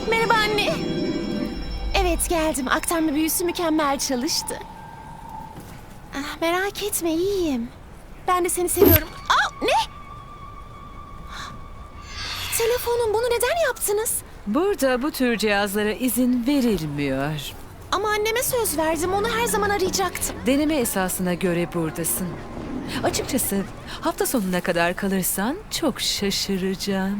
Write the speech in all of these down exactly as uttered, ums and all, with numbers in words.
Merhaba anne. Evet geldim. Aktarma büyüsü mükemmel çalıştı. Ah, merak etme iyiyim. Ben de seni seviyorum. Aa, ne? Telefonum, bunu neden yaptınız? Burada bu tür cihazlara izin verilmiyor. Ama anneme söz verdim. Onu her zaman arayacaktım. Deneme esasına göre buradasın. Açıkçası hafta sonuna kadar kalırsan çok şaşıracağım.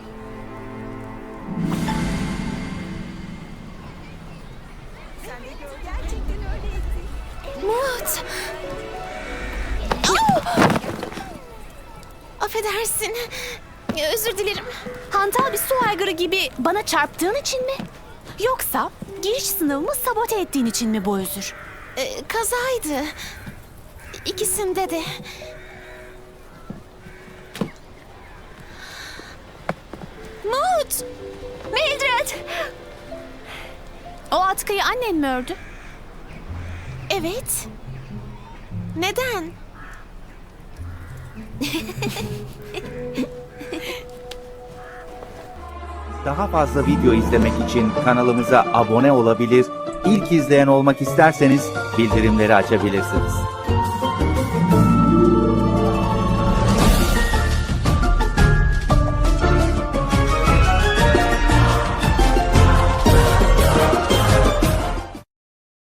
Mut. Aa! Affedersin. Özür dilerim. Hantal bir su aygırı gibi bana çarptığın için mi? Yoksa giriş sınavımı sabote ettiğin için mi bu özür? Ee, kazaydı. İkisinde de. Mut. Mildred! O atkıyı annen mi ördü? Evet. Neden? Daha fazla video izlemek için kanalımıza abone olabilir, ilk izleyen olmak isterseniz bildirimleri açabilirsiniz.